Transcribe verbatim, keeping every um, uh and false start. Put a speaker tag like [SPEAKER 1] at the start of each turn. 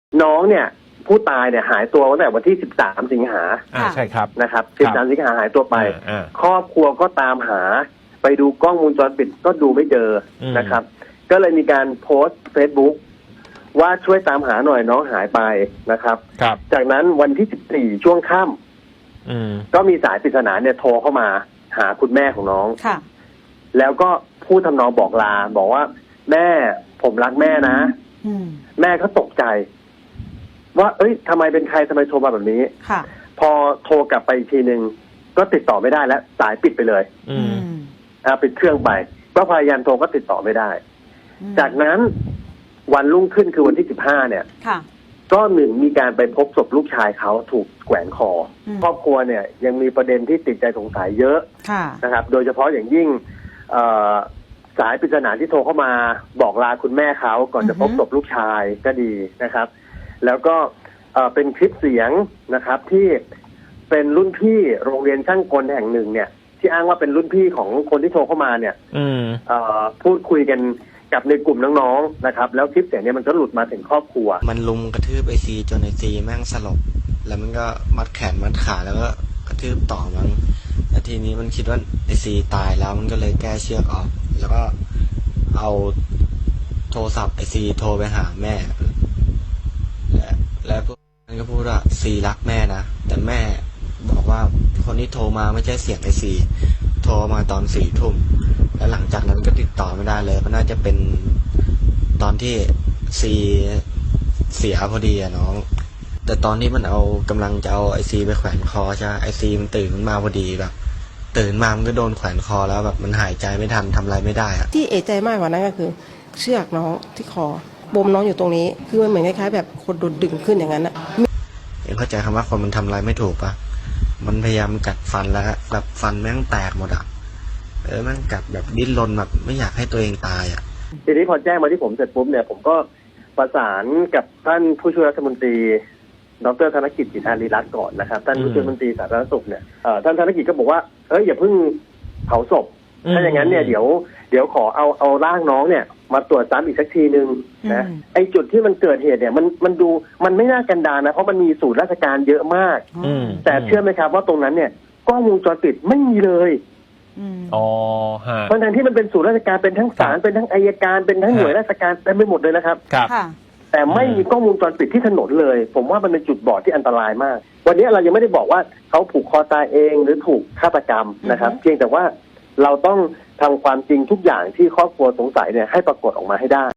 [SPEAKER 1] น้องเนี่ยผู้ตายเนี่ยหายตัวตั้งแต่วันที่สิบสามสิงหา
[SPEAKER 2] อ่าใช่ครับ
[SPEAKER 1] นะครับสิบสามสิงหาหายตัวไปครอบครัวก็ตามหาไปดูกล้องวงจรปิดก็ดูไม่เจอนะครับก็เลยมีการโพสต์เฟซบุ๊กว่าช่วยตามหาหน่อยน้องหายไปนะครับจากนั้นวันที่สิบสี่ช่วงค่ำก็มีสายปริศนาเนี่ยโทรเข้ามาหาคุณแม่ของน้องแล้วก็พูดทำนองบอกลาบอกว่าแม่ผมรักแม่นะแม่ก็ตกใจว่าเอ้ยทำไมเป็นใครทำไมโทรมาแบบนี้พอโทรกลับไปอีกทีหนึ่งก็ติดต่อไม่ได้แล้วสายปิดไปเลยอ่าปิดเครื่องไปก็พยายามโทรก็ติดต่อไม่ได้จากนั้นวันรุ่งขึ้นคือวันที่สิบห้าเนี่ยก็หนึ่งมีการไปพบศพลูกชายเขาถูกแขวนคอครอบครัวเนี่ยยังมีประเด็นที่ติดใจสงสัยเยอะนะครับโดยเฉพาะอย่างยิ่งสายปริศนาที่โทรเข้ามาบอกลาคุณแม่เขาก่อนจะพบศพลูกชายก็ดีนะครับแล้วก็เป็นคลิปเสียงนะครับที่เป็นรุ่นพี่โรงเรียนช่างกลแห่งหนึ่งเนี่ยที่อ้างว่าเป็นรุ่นพี่ของคนที่โทรเข้ามาเนี่ยพูดคุยกันกับในกลุ่มน้องๆนะครับแล้วคลิปเสียงเนี่ยมันก็หลุดมาถึงครอบครัว
[SPEAKER 3] มันลุมกระทืบไอซีจนไอซีแม่งสลบแล้วมันก็มัดแขนมัดขาแล้วก็กระทืบต่อมั้งแล้วทีนี้มันคิดว่าไอซีตายแล้วมันก็เลยแก้เชือกออกแล้วก็เอาโทรศัพท์ไอซีโทรไปหาแม่และแล้วพวกมันก็พูดว่าซีรักแม่นะแต่แม่บอกว่าคนที่โทรมาไม่ใช่เสียงไอซีโทรมาตอนสี่ทุ่มแล้วหลังจากนั้นก็ติดต่อไม่ได้เลยก็น่าจะเป็นตอนที่ซีเสียพอดีอะน้องแต่ตอนนี้มันเอากำลังจะเอาไอซีไปแขวนคอใช่ไอซีมันตื่นขึ้นมาพอดีแบบตื่นมามันก็โดนแขวนคอแล้วแบบมันหายใจไม่ทันทำอะไรไม่ได้อะ
[SPEAKER 4] ที่เอะใจมากกว่านั้นก็คือเชือกน้องที่คอบ่มน้องอยู่ตรงนี้คือมันเหมือนคล้ายๆแบบคนโดนดึงขึ้นอย่างนั้นอะ
[SPEAKER 3] เอ็งเข้าใจคำว่าคนมันทำอะไรไม่ถูกปะมันพยายามกัดฟันแล้วแบบฟันแม่งแตกหมดอะเออแม่งกัดแบบดิ้นรนแบบไม่อยากให้ตัวเองตายอะ
[SPEAKER 1] ทีนี้พอแจ้งมาที่ผมเสร็จปุ๊บเนี่ยผมก็ประสานกับท่านผู้ช่วยรัฐมนตรีดรธนกิจจิตอารีรัตน์ก่อนนะครับท่านผู้ช่วยรัฐมนตรีสาธารณสุขเนี่ยท่านธนกิจก็บอกว่าเอ้ยอย่าเพิ่งเผาศพถ้าอย่างนั้นเนี่ยเดี๋ยวเดี๋ยวขอเอาเอาร่างน้องเนี่ยมาตรวจซ้ำอีกสักทีนึงนะไอจุดที่มันเกิดเหตุเนี่ยมันมันดูมันไม่น่ากันดารนะเพราะมันมีศูนย์ราชการเยอะมากแต่เชื่อไหมครับว่าตรงนั้นเนี่ยกล้องวงจรปิดไม่มีเลย
[SPEAKER 2] อ๋อฮะ
[SPEAKER 1] เพราะฉะนั้นที่มันเป็นศูนย์ราชการเป็นทั้งศาลเป็นทั้งอัยการเป็นทั้งหน่วยราชการเต็มไปหมดเลยนะครับ
[SPEAKER 2] ครับ
[SPEAKER 1] แต่ไม่มีกล้องวงจรปิดที่ถนนเลยผมว่ามันเป็นจุดบอดที่อันตรายมากวันนี้เรายังไม่ได้บอกว่าเขาผูกคอตายเองหรือถูกฆาตกรรมนะครับเพียงแต่ว่าเราต้องทำความจริงทุกอย่างที่ครอบครัวสงสัยเนี่ยให้ปรากฏออกมาให้ได้